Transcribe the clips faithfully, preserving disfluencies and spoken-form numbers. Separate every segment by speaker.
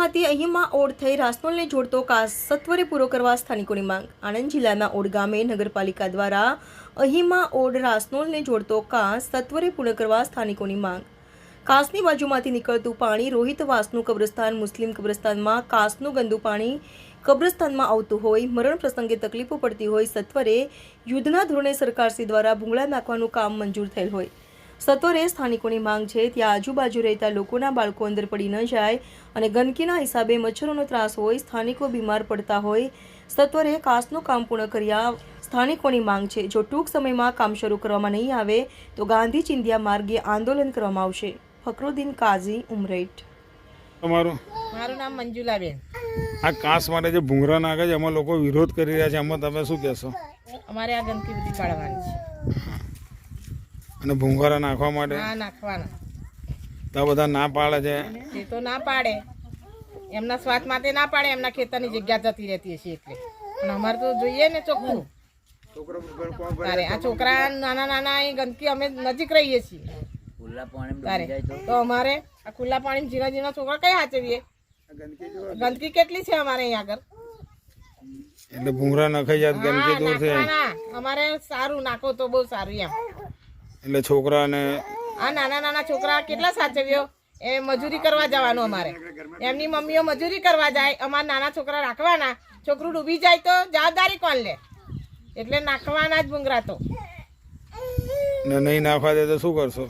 Speaker 1: બાજુમાંથી અહીમાં odd થઈ રાસનોલને જોડતો કાસ સત્વરે પૂરો કરવા સ્થાનિકોની માંગ। આણંદ જિલ્લાના ઓડ ગામે નગરપાલિકા દ્વારા અહીમાં ઓડ રાસનોલને જોડતો કાસ સત્વરે પૂર્ણ કરવા સ્થાનિકોની માંગ। કાસની બાજુમાંથી નીકળતું પાણી રોહિતવાસનું કબ્રસ્તાન મુસ્લિમ કબ્રસ્તાનમાં કાસનું ગંદુ પાણી કબ્રસ્તાનમાં આવતું હોય, મરણ પ્રસંગે તકલીફો પડતી હોય, સત્વરે યુદ્ધના ધોરણે સરકારશ્રી દ્વારા ભૂંગળા નાખવાનું કામ મંજૂર થયેલ હોય। સત્વરે સ્થાનિકોની માંગ છે ત્યાં આજુબાજુ રહેતા લોકોના બાળકો અંદર પડી ન જાય અને ગંદકીના હિસાબે મચ્છરોનો ત્રાસ હોય, સ્થાનિકો બીમાર પડતા હોય, સત્વરે કાસનું કામ પૂર્ણ કર્યા સ્થાનિકોની માંગ છે। જો ટૂંક સમયમાં કામ શરૂ કરવામાં નહીં આવે તો ગાંધી ચિંધ્યા માર્ગે આંદોલન કરવામાં આવશે। ફકરુદ્દીન કાઝી, ઉમરેઠ।
Speaker 2: તમારું
Speaker 3: મારું નામ મંજુલાબેન।
Speaker 2: આ કાસ માટે જે ભૂંગળા નાખે છે એમાં લોકો વિરોધ કરી રહ્યા છે, એમાં તમે શું કહેશો?
Speaker 3: અમારે આ ગંદકી બધી કાઢવાની છે
Speaker 2: અને ભૂંગળા નાખવા માટે
Speaker 3: ના નાખવાના
Speaker 2: તો બધા ના પાડે છે।
Speaker 3: એ તો ના પાડે, એમના સ્વાદ માટે ના પાડે, એમના ખેતરની જગ્યા જતી રહેતી હશે એટલે, પણ અમારે તો જોઈએ ને ચોખ્ખું। તારે આ છોકરા નાના નાના એ ગંદકી અમે નજીક રહીએ છીએ તારે તો અમારે આ ખુલ્લા પાણી ઝીણા ઝીણા છોકરા કઈ સાચવીએ? ગંદકી કેટલી છે અમારે અહીંયા આગળ,
Speaker 2: એટલે ભૂંગળા નખાઈ જાય ગંદકી દૂર થાય।
Speaker 3: અમારે સારું નાખો તો બહુ સારું એમ,
Speaker 2: એટલે છોકરાને
Speaker 3: આ નાના નાના છોકરા કેટલા સાચવ્યો? એ મજૂરી કરવા જવાનું, અમારે એમની મમ્મીઓ મજૂરી કરવા જાય, અમારા નાના છોકરા રાખવાના, છોકરું ડૂબી જાય તો જવાબદારી કોણ લે? એટલે નાખવાના જ ભૂંગળા તો
Speaker 2: ને નહીં નાખવા દે તો શું કરશો?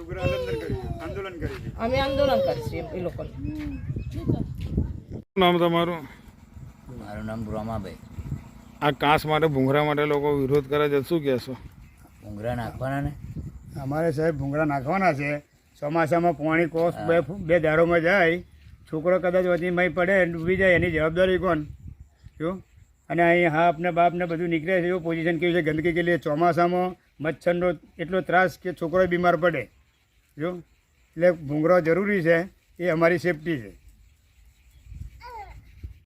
Speaker 3: અમે આંદોલન કરીશું એ લોકોને।
Speaker 2: નામ તમારું?
Speaker 4: મારું નામ રોમાભાઈ।
Speaker 2: આ કાસ માટે ભૂંગળા માટે લોકો વિરોધ કરે છે, શું કહેશો?
Speaker 4: ભૂંગળા નાખવાના ને
Speaker 5: અમારે સાહેબ ભૂંગળા નાખવાના છે। ચોમાસામાં પાણી કોસ બે બે દારોમાં જાય, છોકરો કદાચ વધીમાં પડે ડૂબી જાય, એની જવાબદારી કોણ? જો અને અહીં હાપ ને બાપ ને બધું નીકળે છે, એવું પોઝિશન કેવી છે, ગંદકી કેટલી છે। ચોમાસામાં મચ્છરનો એટલો ત્રાસ કે છોકરો બીમાર પડે। જો એટલે ભૂંગળા જરૂરી છે, એ અમારી સેફટી છે।